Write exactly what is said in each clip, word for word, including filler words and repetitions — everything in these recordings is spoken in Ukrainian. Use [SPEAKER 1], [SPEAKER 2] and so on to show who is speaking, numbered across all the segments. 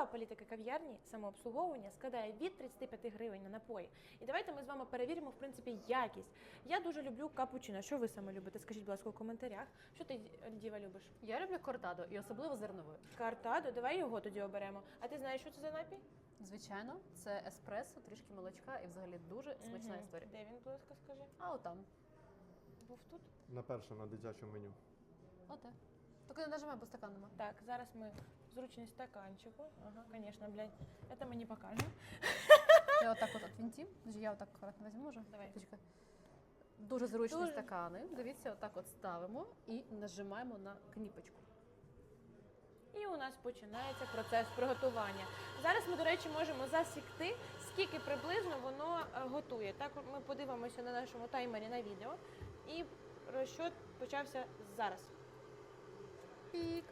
[SPEAKER 1] Цінова політика кав'ярні самообслуговування складає від тридцяти п'яти гривень на напої. І давайте ми з вами перевіримо, в принципі, якість. Я дуже люблю капучино. Що ви саме любите? Скажіть, будь ласка, у коментарях. Що ти, Діва, любиш?
[SPEAKER 2] Я люблю кортадо і особливо зерновою.
[SPEAKER 1] Картадо, давай його тоді оберемо. А ти знаєш, що це за напій?
[SPEAKER 2] Звичайно, це еспресо, трішки молочка і взагалі дуже смачна
[SPEAKER 1] Мгм.
[SPEAKER 2] історія.
[SPEAKER 1] Де він, будь ласка, скажи?
[SPEAKER 2] А отам.
[SPEAKER 1] Був тут?
[SPEAKER 3] На перше, на дитячому меню.
[SPEAKER 2] Оте. Тільки не нажимай, бо стакан нема.
[SPEAKER 1] Так, зараз ми зручність стаканчику. Ага, конечно, блядь, это мы не покажем.
[SPEAKER 2] Я отак от відвінтім. Я отак акуратно візьму, може?
[SPEAKER 1] Давай.
[SPEAKER 2] Почекай. Дуже зручні
[SPEAKER 1] Дуже.
[SPEAKER 2] стакани. Дивіться, отак от ставимо і нажимаємо на кніпочку.
[SPEAKER 1] І у нас починається процес приготування. Зараз ми, до речі, можемо засікти, скільки приблизно воно е, готує. Так ми подивимося на нашому таймері на відео. І розчет почався зараз.
[SPEAKER 2] Пік.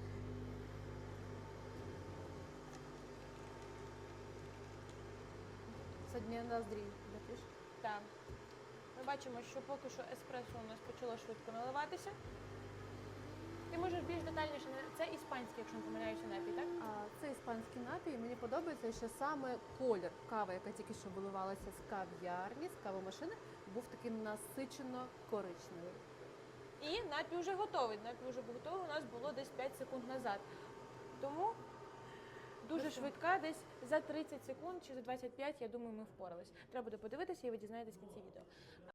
[SPEAKER 2] Сьогодні ноздрі летиш.
[SPEAKER 1] Так. Ми бачимо, що поки що еспресо у нас почало швидко наливатися. Ти можеш більш детальніше, на- це іспанський, якщо не помиляюся, напій, так?
[SPEAKER 2] А це іспанський напій. Мені подобається, що саме колір кави, яка тільки що виливалася з кав'ярні, з кавомашини, був таким насичено коричневий.
[SPEAKER 1] І напій вже готовий. Напій вже готовий у нас було десь п'ять секунд назад. Тому дуже
[SPEAKER 2] Ну що?
[SPEAKER 1] швидка, десь за тридцять секунд чи за двадцять п'ять, я думаю, ми впорались. Треба буде подивитися і ви дізнаєтесь в кінці відео.